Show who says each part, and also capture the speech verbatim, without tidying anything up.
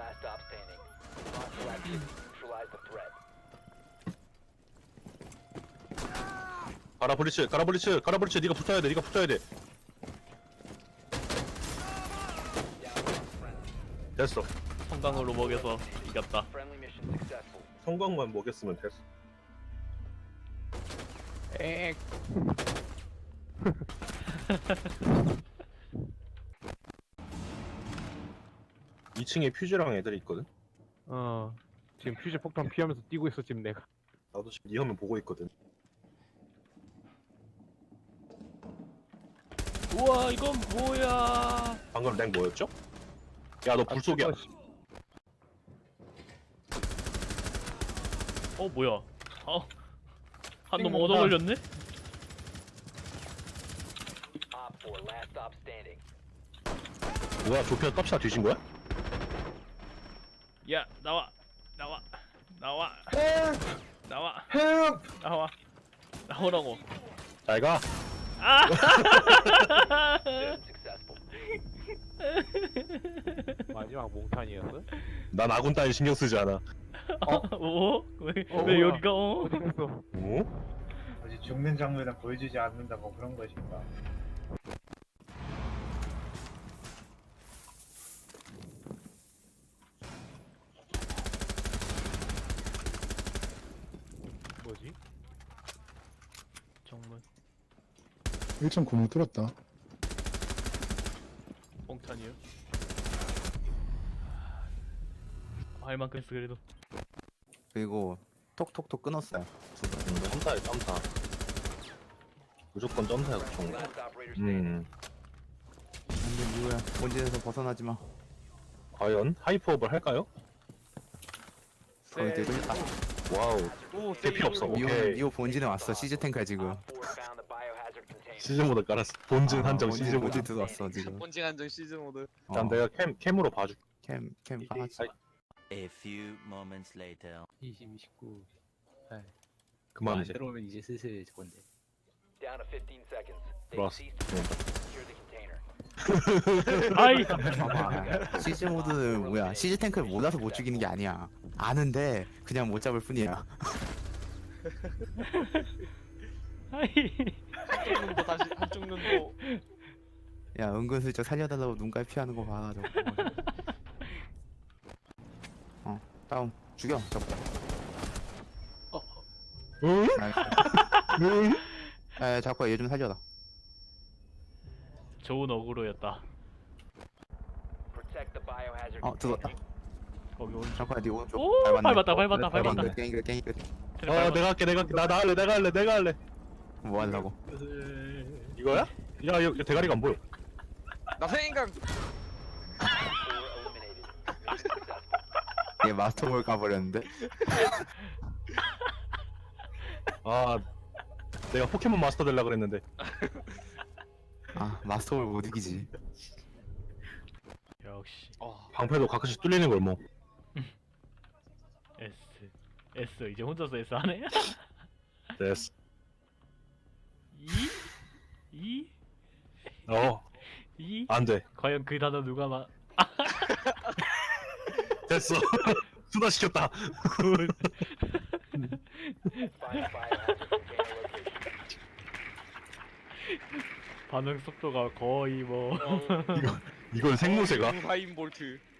Speaker 1: last stop standing. Hostile activity. Neutralize the threat.
Speaker 2: 가라 브리츠 가라 브리츠 가라 브리츠 네가 붙어야 돼 네가 붙어야 돼 됐어
Speaker 3: 성광으로 먹여서 이겼다.
Speaker 1: Friendly mission successful.
Speaker 2: 성광만 먹였으면 됐어
Speaker 3: 엑.
Speaker 2: 이 층에 퓨즈랑 애들이 있거든
Speaker 4: 어 지금 퓨즈 폭탄 피하면서 뛰고 있어 지금 내가.
Speaker 2: 나도 지금 네 화면 보고 있거든
Speaker 3: 우와 이건 뭐야?
Speaker 2: 방금 랭 뭐였죠? 야 너 불속이야
Speaker 3: 어 뭐야? 어. 한 놈 얻어 걸렸네?
Speaker 1: Op four last stop standing.
Speaker 2: 뭐야 조피아 값이나 뒤진 거야?
Speaker 3: 야 나와 나와 나와 나와 나와 나오라고.
Speaker 2: 잘가
Speaker 3: 아!
Speaker 1: Mission successful.
Speaker 4: 마지막 몽탄이었어?
Speaker 2: 난 아군 따위 신경 쓰지 않아
Speaker 3: 어? 왜,
Speaker 4: 어,
Speaker 3: 왜
Speaker 4: 뭐야?
Speaker 3: 여기가 어?
Speaker 4: 어디 갔어?
Speaker 2: 어?
Speaker 5: 아직 죽는 장면은 보여주지 않는다 뭐 그런 것인가.
Speaker 4: 뭐지?
Speaker 3: 정문
Speaker 6: 일 점 구멍 뚫었다.
Speaker 3: 뽕탄이요? 할 만큼 했어 그래도.
Speaker 7: 그리고 톡톡톡 끊었어요.
Speaker 2: 점사야 점사 무조건 점사야 그총
Speaker 1: Last operator standing.
Speaker 2: 음
Speaker 7: 근데 누구야? 본진에서 벗어나지 마.
Speaker 2: 과연 하이퍼업을 할까요?
Speaker 7: 거의 되고 있다.
Speaker 2: 와우 대피 없어
Speaker 7: 미호
Speaker 2: 오케이
Speaker 7: 미호 본진에 왔어. 시즈 탱크야 지금.
Speaker 1: Op four found the biohazard container.
Speaker 2: 시즌 모드 깔았어 본진
Speaker 7: 아,
Speaker 2: 한정
Speaker 7: 본진,
Speaker 2: 시즌 모드
Speaker 7: 본진 들어왔어 지금.
Speaker 8: 본징 한정 시즌 모드.
Speaker 2: 일단
Speaker 7: 어,
Speaker 2: 내가 캠, 캠으로 봐줄게
Speaker 7: 캠, 캠
Speaker 2: 이게-
Speaker 7: 하지.
Speaker 2: 아이,
Speaker 9: A few moments later.
Speaker 8: 이십, 이십구.
Speaker 2: 그만 이제
Speaker 8: 들어오면 이제 슬슬 저건데.
Speaker 1: Down to fifteen seconds. They
Speaker 2: 들어왔어
Speaker 1: ceased to secure the container.
Speaker 3: 아이!
Speaker 7: 봐봐. 시즈 모드는 뭐야? 시즈 탱크를 몰라서 못 죽이는 게 아니야. 아는데 그냥 못 잡을 뿐이야.
Speaker 3: 아이!
Speaker 8: 한쪽 눈도 다시 한쪽 눈도.
Speaker 7: 야 은근슬쩍 살려달라고 눈깔 피하는 거 봐. 저거. 어 다운 죽여 저거.
Speaker 2: 응?
Speaker 7: 나이스. 에 자꾸 얘 좀 살려라.
Speaker 3: 좋은 어그로였다.
Speaker 1: Protect the biohazard
Speaker 7: 어 들어왔다.
Speaker 3: 거기 오른쪽.
Speaker 7: 잠깐 네 오른쪽
Speaker 3: 오!
Speaker 7: 밟았네.
Speaker 3: 밟았다 밟았다
Speaker 7: 밟았네.
Speaker 3: 밟았다.
Speaker 7: 깽이 끝 깽이 끝.
Speaker 2: 어 내가 할게 내가 할게 나, 나 할래 내가 할래 내가 할래
Speaker 7: 뭐 하려고?
Speaker 2: 이거야? 야 이거 대가리가 안 보여
Speaker 8: 나 생각.
Speaker 1: four eliminated. Mission successful.
Speaker 7: 얘 마스터볼 까버렸는데?
Speaker 2: 아 내가 포켓몬 마스터 되려고 그랬는데
Speaker 7: 아 마스터볼 못 이기지.
Speaker 3: 역시
Speaker 8: 어.
Speaker 2: 방패도 가끔씩 뚫리는 걸 뭐.
Speaker 3: S S 이제 혼자서 S 하네?
Speaker 2: 됐어.
Speaker 3: 이? 이?
Speaker 2: 어,
Speaker 3: 이?
Speaker 2: 안 돼.
Speaker 3: 과연 그 단어 누가 마...
Speaker 2: 됐어. 수다 시켰다.
Speaker 3: 굿.
Speaker 1: Find the biohazard container location.
Speaker 3: 반응 속도가 거의 뭐
Speaker 2: 이걸 생무새가?
Speaker 8: 하인 볼트.